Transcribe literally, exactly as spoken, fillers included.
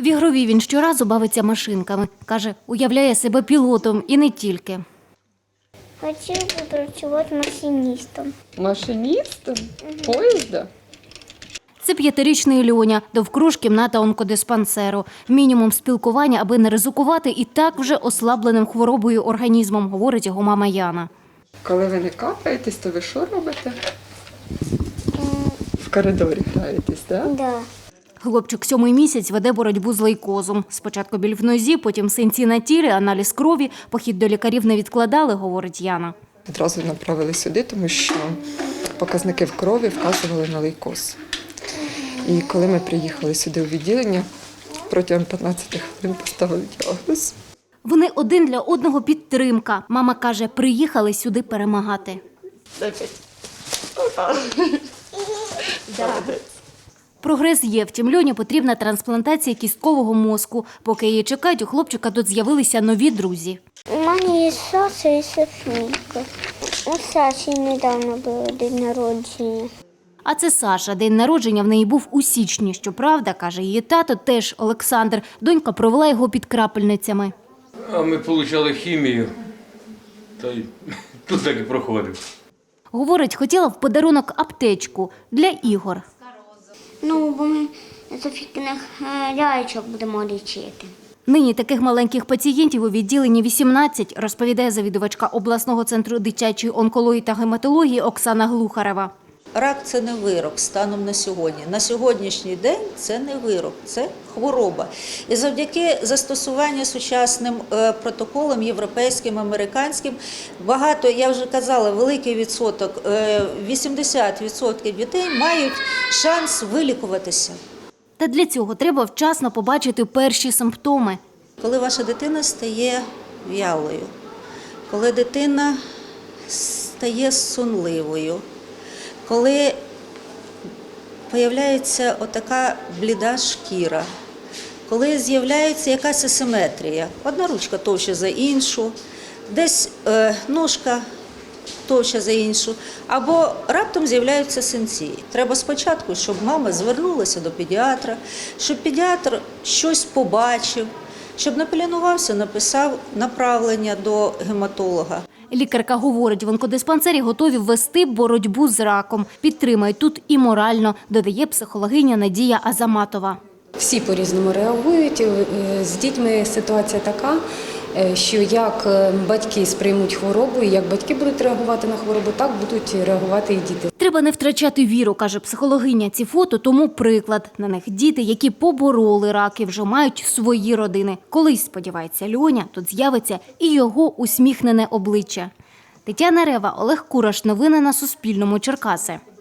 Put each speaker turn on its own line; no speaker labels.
В ігровій він щоразу бавиться машинками. Каже, уявляє себе пілотом і не тільки.
Хотів би працювати машиністом.
Машиністом? Поїзда?
Це п'ятирічний Льоня, довкруж кімната онкодиспансеру. Мінімум спілкування, аби не ризикувати і так вже ослабленим хворобою організмом, говорить його мама Яна.
Коли ви не капаєтесь, то ви що робите? В коридорі граєтесь, так?
Так. Да.
Хлопчик сьомий місяць веде боротьбу з лейкозом. Спочатку біль в нозі, потім синці на тілі, аналіз крові. Похід до лікарів не відкладали, говорить Яна.
Одразу направили сюди, тому що показники в крові вказували на лейкоз. І коли ми приїхали сюди у відділення, протягом п'ятнадцяти хвилин поставили діагноз.
Вони один для одного підтримка. Мама каже, приїхали сюди перемагати. Прогрес є, втім Льоні потрібна трансплантація кісткового мозку. Поки її чекають, у хлопчика тут з'явилися нові друзі.
У мене є Саша і Софійка. У Саші недавно було день народження.
А це Саша. День народження в неї був у січні. Щоправда, каже її тато, теж Олександр. Донька провела його під крапельницями.
А ми отримали хімію, та й тут так і проходив.
Говорить, хотіла в подарунок аптечку для ігор.
Ну, бо ми Софійкиних лялечок будемо лічити.
Нині таких маленьких пацієнтів у відділенні вісімнадцять, розповідає завідувачка обласного центру дитячої онкології та гематології Оксана Глухарева.
Рак – це не вирок станом на сьогодні. На сьогоднішній день це не вирок, це хвороба. І завдяки застосуванню сучасним протоколам, європейським, американським, багато, я вже казала, великий відсоток, вісімдесят відсотків дітей мають шанс вилікуватися.
Та для цього треба вчасно побачити перші симптоми.
Коли ваша дитина стає в'ялою, коли дитина стає сонливою, коли з'являється отака бліда шкіра, коли з'являється якась асиметрія, одна ручка товща за іншу, десь е, ножка товща за іншу, або раптом з'являються синці. Треба спочатку, щоб мама звернулася до педіатра, щоб педіатр щось побачив, щоб не полінувався, написав направлення до гематолога.
Лікарка говорить, в онкодиспансері готові вести боротьбу з раком. Підтримають тут і морально, додає психологиня Надія Азаматова.
Всі по-різному реагують. З дітьми ситуація така, що як батьки сприймуть хворобу, і як батьки будуть реагувати на хворобу, так будуть реагувати і діти.
Треба не втрачати віру, каже психологиня. Ці фото тому приклад. На них діти, які побороли рак і вже мають свої родини. Колись, сподівається Льоня, тут з'явиться і його усміхнене обличчя. Тетяна Рева, Олег Кураш. Новини на Суспільному. Черкаси.